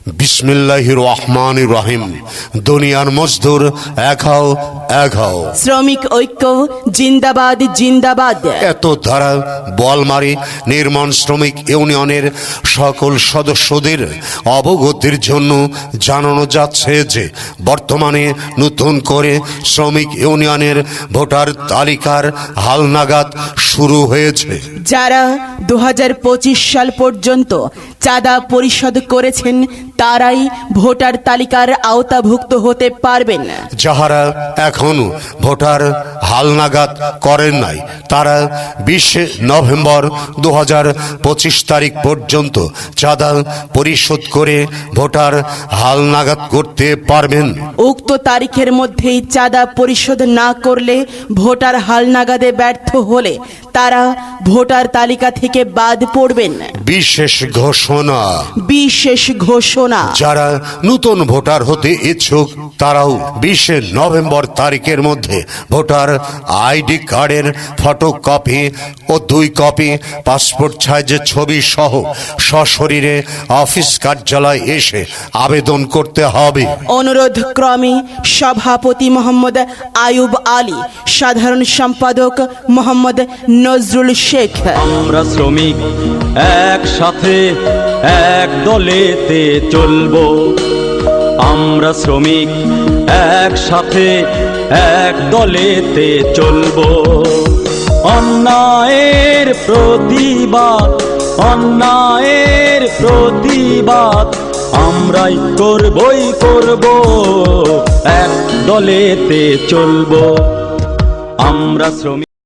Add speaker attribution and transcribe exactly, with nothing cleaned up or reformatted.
Speaker 1: বিসমিল্লাহির রহমানির রহিম। দুনিয়ার মজদুর এক হও, এক হও।
Speaker 2: শ্রমিক ঐক্য জিন্দাবাদ জিন্দাবাদ।
Speaker 1: এত ধারা বলমারি নির্মাণ শ্রমিক ইউনিয়নের সকল সদস্যদের অবগতির জন্য জানানো যাচ্ছে যে বর্তমানে নতুন করে শ্রমিক ইউনিয়নের ভোটার তালিকার হালনাগাদ শুরু হয়েছে।
Speaker 2: যারা দু হাজার পঁচিশ সাল পর্যন্ত চাঁদা পরিশোধ করেছেন তারাই ভোটার তালিকার আওতাভুক্ত হতে পারবেন।
Speaker 1: যাহারা এখনো ভোটার হালনাগাদ করেন নাই তারা বিশে নভেম্বর দু হাজার পঁচিশ তারিখ পর্যন্ত চাঁদা পরিশোধ করে ভোটার হালনাগাদ করতে পারবেন।
Speaker 2: উক্ত তারিখের মধ্যেই চাঁদা পরিশোধ না করলে ভোটার হালনাগাদে ব্যর্থ হলে তারা ভোটার তালিকা থেকে বাদ পড়বেন।
Speaker 1: বিশেষ ঘোষণা
Speaker 2: বিশেষ ঘোষণা
Speaker 1: যারা নতুন ভোটার হতে ইচ্ছুক তারাও বিশে নভেম্বর তারিখের মধ্যে ভোটার আইডি কার্ডের ফটোকপি ও দুই কপি পাসপোর্ট সাইজের ছবি সহ সশরীরে অফিস কার্যালয়ে এসে আবেদন করতে হবে।
Speaker 2: অনুরোধ ক্রমে সভাপতি মোহাম্মদ আয়ুব আলী, সাধারণ সম্পাদক মোহাম্মদ নজরুল শেখ।
Speaker 3: আমরা শ্রমিক একসাথে এক দলেতে চলবো, আমরা শ্রমিক একসাথে এক দলেতে চলবো। অন্যায়ের প্রতিবাদ অন্যায়ের প্রতিবাদ আমরাই করবই করব, এক দলেতে চলবো। আমরা শ্রমিক।